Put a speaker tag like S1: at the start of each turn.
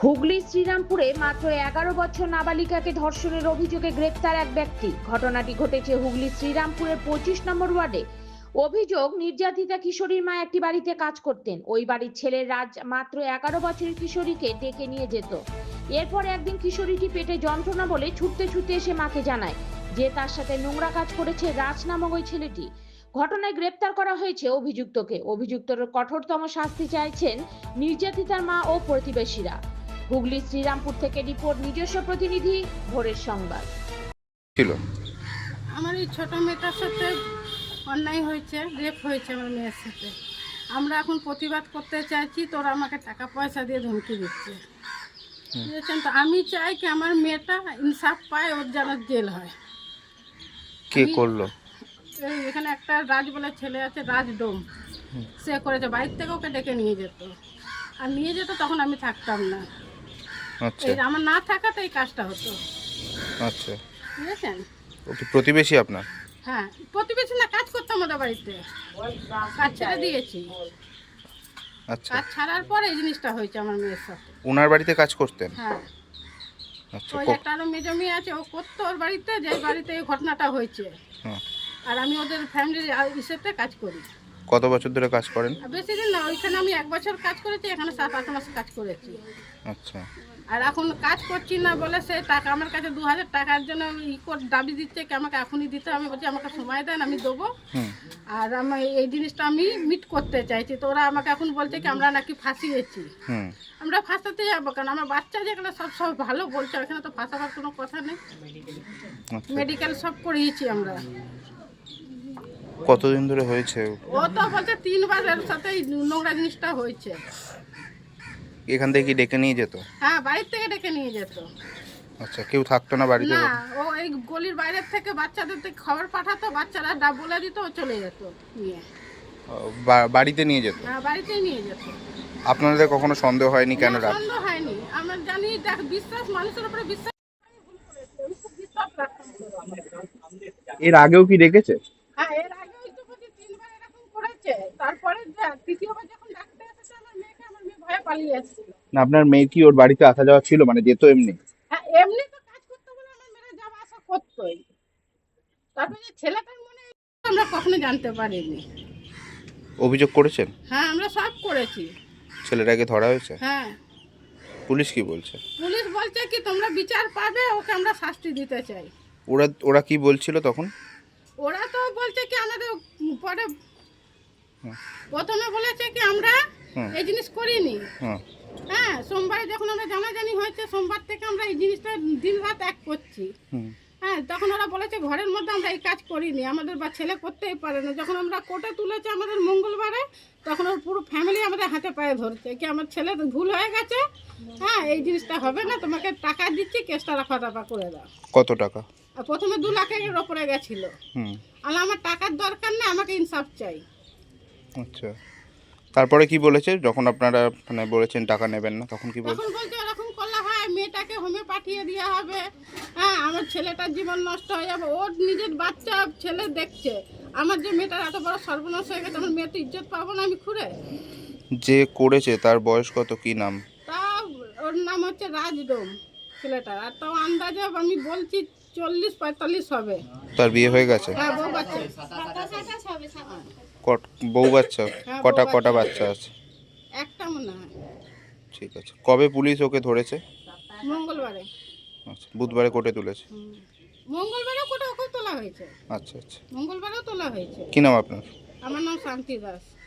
S1: হুগলি শ্রীরামপুরে মাত্র 11 বছর নাবালিকাকে ধর্ষণের অভিযোগে গ্রেপ্তার এক ব্যক্তি। ঘটনাটি ঘটেছে হুগলি শ্রীরামপুরের 25 নম্বর ওয়ার্ডে। অভিযোগ, নির্যাতিতা কিশোরীর মা একটি বাড়িতে কাজ করতেন। ওই বাড়ির ছেলে রাজ মাত্র 11 বছরের কিশোরীকে ডেকে নিয়ে যেত। এরপর একদিন কিশোরীটি পেটে যন্ত্রণা বলে ছুটতে ছুটতে এসে মাকে জানায় যে তার সাথে নোংরা কাজ করেছে রাজ নামক ওই ছেলেটি। ঘটনায় গ্রেপ্তার করা হয়েছে অভিযুক্তকে। অভিযুক্তর কঠোরতম শাস্তি চাইছেন নির্যাতিতার মা ও প্রতিবেশীরা। হুগলি শ্রীরামপুর থেকে রিপোর্ট, নিজস্ব প্রতিনিধি ভোরের সংবাদ।
S2: ছিল
S3: আমার এই ছোট মেয়েটার সাথে অন্যায় হয়েছে, রেপ হয়েছে আমার মেয়ের সাথে। আমরা এখন প্রতিবাদ করতে চাইছি, তোরা আমাকে টাকা পয়সা দিয়ে ধমকি দিচ্ছে, বুঝেছেন তো। আমি চাই কি আমার মেয়েটা ইনসাফ পায়, ওর যেন জেল হয়।
S2: কে করলো?
S3: এই এখানে একটা রাজ বলে ছেলে আছে, রাজ ডোম, সে করেছে। বাড়ির থেকে ওকে ডেকে নিয়ে যেত, আর নিয়ে যেত তখন আমি থাকতাম না।
S2: আচ্ছা
S3: এই আমার না থাকাতে এই কাজটা হতো,
S2: আচ্ছা।
S3: বুঝেছেন।
S2: ও কি প্রতিবেশী আপনার?
S3: হ্যাঁ, প্রতিবেশী না, কাজ করতাম ওদের বাড়িতে, কাজ ছেড়ে দিয়েছি।
S2: আচ্ছা,
S3: কাজ ছাড়ার পর এই জিনিসটা হয়েছে আমার মেয়ের সাথে।
S2: ওনার বাড়িতে কাজ করতেন?
S3: হ্যাঁ,
S2: আচ্ছা
S3: ওই একটা আরো মেজো মেয়ে আছে, ও করতো ওর বাড়িতে, যে বাড়িতে এই ঘটনাটা হয়েছে।
S2: হ্যাঁ।
S3: আর আমি ওদের ফ্যামিলির ইসেতে কাজ করি।
S2: কত বছর ধরে কাজ করেন?
S3: আর বেশি দিন না, ওইখানে আমি 1 বছর কাজ করেছি, এখানে 7-8 মাস কাজ করেছি।
S2: আচ্ছা
S3: আর এখন কাজ করছি না বলে সে টাকা আমার কাছে 2000 টাকার জন্য দাবি দিচ্ছে কি আমাকে এখনই দিতে। আমি বলছি আমাকে সময় দেন, আমি দেবো।
S2: হুম
S3: আর আমি এই জিনিসটা আমি মিট করতে চাইছি। তো ওরা আমাকে এখন বলছে কি আমরা নাকি ফাঁসিয়েছি।
S2: হুম
S3: আমরা ফাঁসাতে যাবো কেন? আমার বাচ্চা যেখানে সব ভালো বলছে, ওখানে তো ফাঁসাবার কোনো কথা নেই।
S2: আচ্ছা।
S3: মেডিকেল সব করিয়েছি আমরা।
S2: কতদিন ধরে হয়েছে?
S3: ও তো বলছে 3 বার এর সাথে এই নোংরা জিনিসটা হয়েছে।
S2: এখান থেকে কি ডেকে নিয়ে যেত?
S3: হ্যাঁ, বাড়ির থেকে ডেকে নিয়ে যেত।
S2: আচ্ছা, কেউ থাকতো না বাড়িতে?
S3: না, ও এই গলির বাইরের থেকে বাচ্চাদের থেকে খবর পাঠাতো, বাচ্চারা বলে দিত, ও চলে যেত নিয়ে।
S2: বাড়িতে নিয়ে যেত?
S3: হ্যাঁ, বাড়িতেই নিয়ে যেত।
S2: আপনাদের কখনো সন্দেহ হয়নি কেন
S3: না,
S2: রাত?
S3: সন্দেহ হয়নি। আমরা জানি দেখ, বিশ্বাস, মানুষের উপরে বিশ্বাস রাখতাম তো।
S2: এর আগেও কি ডেকেছে?
S3: হ্যাঁ, এর আগে ওই তো বলছি 3 বার এরকম করেছে। তারপরে তৃতীয়বার যখন ডাকতে এসেছে আমার মেয়েকে, আমার মেয়ে ভয়ে পালিয়ে এসেছিল।
S2: না, আপনার মেয়ে কি ওর বাড়িতে আসা যাওয়া ছিল, মানে যেত এমনি?
S3: হ্যাঁ, এমনি তো কাজ করতে বলে আমার মেয়েরা যাওয়া আসা করতোই। তারপরে যে ছেলেটার মনে আমরা কখনো জানতে পারিনি।
S2: অভিযোগ করেছেন?
S3: হ্যাঁ, আমরা সব করেছি।
S2: ছেলেটাকে ধরা হয়েছে?
S3: হ্যাঁ,
S2: পুলিশ কি বলছে?
S3: পুলিশ বলছে কি তোমরা বিচার পাবে, ওকে আমরা শাস্তি দিতে চাই।
S2: ওরা কি বলছিল তখন?
S3: ওরা তো বলছে কি আমাদের পরে
S2: হুম।
S3: প্রথমে বলেছে কি আমরা
S2: হুম।
S3: এই জিনিস করিনি।
S2: হ্যাঁ
S3: হ্যাঁ, সোমবারে যখন আমরা জানাজানি হয়েছে, সোমবার থেকে আমরা এই জিনিসটা দিন রাত এক করছি।
S2: হুম
S3: হ্যাঁ, তখন ওরা বলেছে ঘরের মধ্যে আমরা এই কাজ করিনি, আমাদের বা ছেলে করতেই পারে না। যখন আমরা কোর্টে তুলেছে আমাদের মঙ্গলবারে, তখন ওর পুরো ফ্যামিলি আমাদের হাতে পায়ে ধরছে কি আমার ছেলে ভুল হয়ে গেছে। হ্যাঁ, এই জিনিসটা হবে না, তোমাকে টাকা দিচ্ছি, কেসটা রফা করে দাও।
S2: কত টাকা?
S3: আর প্রথমে 2 লাখের ওপরে গেছিল।
S2: হুম
S3: আর আমার টাকার দরকার নেই, আমাকে ইনসাফ চাই।
S2: আচ্ছা, তারপরে কি বলেছে যখন আপনারা মানে বলেছেন টাকা নেবেন না, তখন কি বলছে?
S3: তখন বলছে এরকম করলে হয়, মেয়েটাকে হোমে পাঠিয়ে দেওয়া হবে। হ্যাঁ, আমার ছেলেটার জীবন নষ্ট হয়ে যাবে। ওর নিজের বাচ্চা ছেলে দেখছে, আমার যে মেয়েটার এত বড় সর্বনাশ হয়ে গেছে, আমার মেয়ে তো ইজ্জত পাবো না আমি খুঁড়ে।
S2: যে করেছে তার বয়স কত, কি নাম?
S3: তা ওর নাম হচ্ছে রাজডোম ছেলেটার। আর তাও আন্দাজে আমি বলছি 40-45 হবে।
S2: তার বিয়ে হয়ে গেছে?
S3: হ্যাঁ, বউ বাচ্চা।
S2: বউ বাচ্চা?
S3: হ্যাঁ,
S2: কটা
S3: বউ
S2: কটা
S3: বাচ্চা।
S2: বাচ্চা আছে?
S3: একটা মনে হয়।
S2: ঠিক আছে, কবে পুলিশ ওকে ধরেছে?
S3: মঙ্গলবারে।
S2: আচ্ছা, বুধবারে কোর্টে তুলেছে?
S3: মঙ্গলবারেও কোটা ওকে তোলা হয়েছে,
S2: আচ্ছা আচ্ছা।
S3: মঙ্গলবারেও তোলা হয়েছে।
S2: কি নাম আপনার?
S3: আমার নাম শান্তি দাস।